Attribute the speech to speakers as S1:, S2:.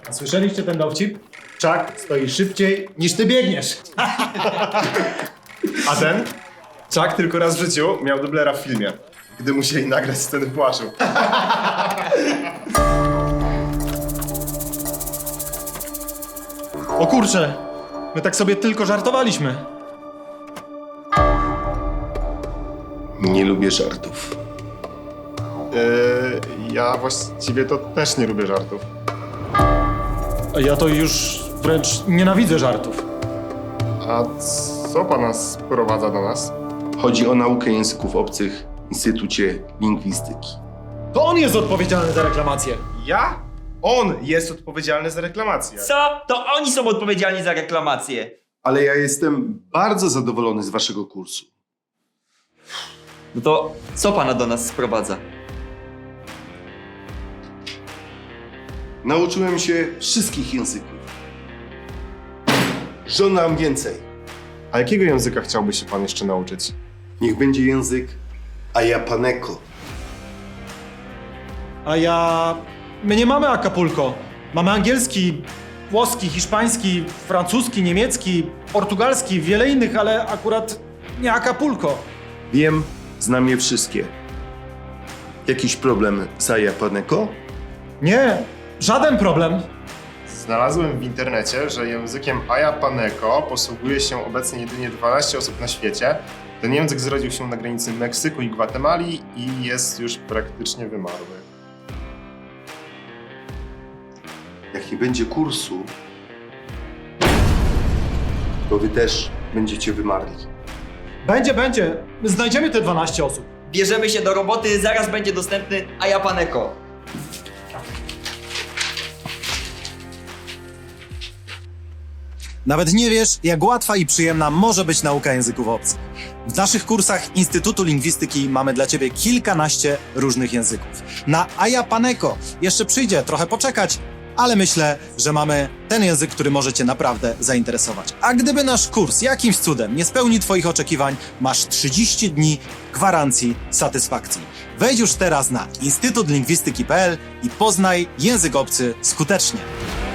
S1: A słyszeliście ten dowcip? Chuck stoi szybciej niż ty biegniesz.
S2: A ten? Chuck tylko raz w życiu miał dublera w filmie, gdy musieli nagrać sceny płaczu.
S1: O kurczę, my tak sobie tylko żartowaliśmy.
S2: Nie lubię żartów. Ja właściwie to też nie lubię żartów.
S1: A ja to już wręcz nienawidzę żartów.
S2: A co pana sprowadza do nas?
S3: Chodzi o naukę języków obcych w Instytucie Lingwistyki.
S1: To on jest odpowiedzialny za reklamację.
S2: Ja? On jest odpowiedzialny za reklamację.
S4: Co? To oni są odpowiedzialni za reklamację.
S3: Ale ja jestem bardzo zadowolony z waszego kursu.
S4: No to co pana do nas sprowadza?
S3: Nauczyłem się wszystkich języków. Żądam więcej.
S2: A jakiego języka chciałby się pan jeszcze nauczyć?
S3: Niech będzie język Ayapaneko.
S1: My nie mamy Acapulco. Mamy angielski, włoski, hiszpański, francuski, niemiecki, portugalski, wiele innych, ale akurat nie Acapulco.
S3: Wiem, znam je wszystkie. Jakiś problem z Ayapaneko?
S1: Nie, żaden problem.
S2: Znalazłem w internecie, że językiem Ayapaneko posługuje się obecnie jedynie 12 osób na świecie. Ten język zrodził się na granicy Meksyku i Gwatemali i jest już praktycznie wymarły.
S3: Jak nie będzie kursu, to wy też będziecie wymarli.
S1: Będzie. Znajdziemy te 12 osób.
S4: Bierzemy się do roboty, zaraz będzie dostępny Ayapaneko.
S5: Nawet nie wiesz, jak łatwa i przyjemna może być nauka języków obcych. W naszych kursach Instytutu Lingwistyki mamy dla Ciebie kilkanaście różnych języków. Na Ayapaneko jeszcze przyjdzie trochę poczekać, ale myślę, że mamy ten język, który może Cię naprawdę zainteresować. A gdyby nasz kurs jakimś cudem nie spełni Twoich oczekiwań, masz 30 dni gwarancji satysfakcji. Wejdź już teraz na instytutlingwistyki.pl i poznaj język obcy skutecznie.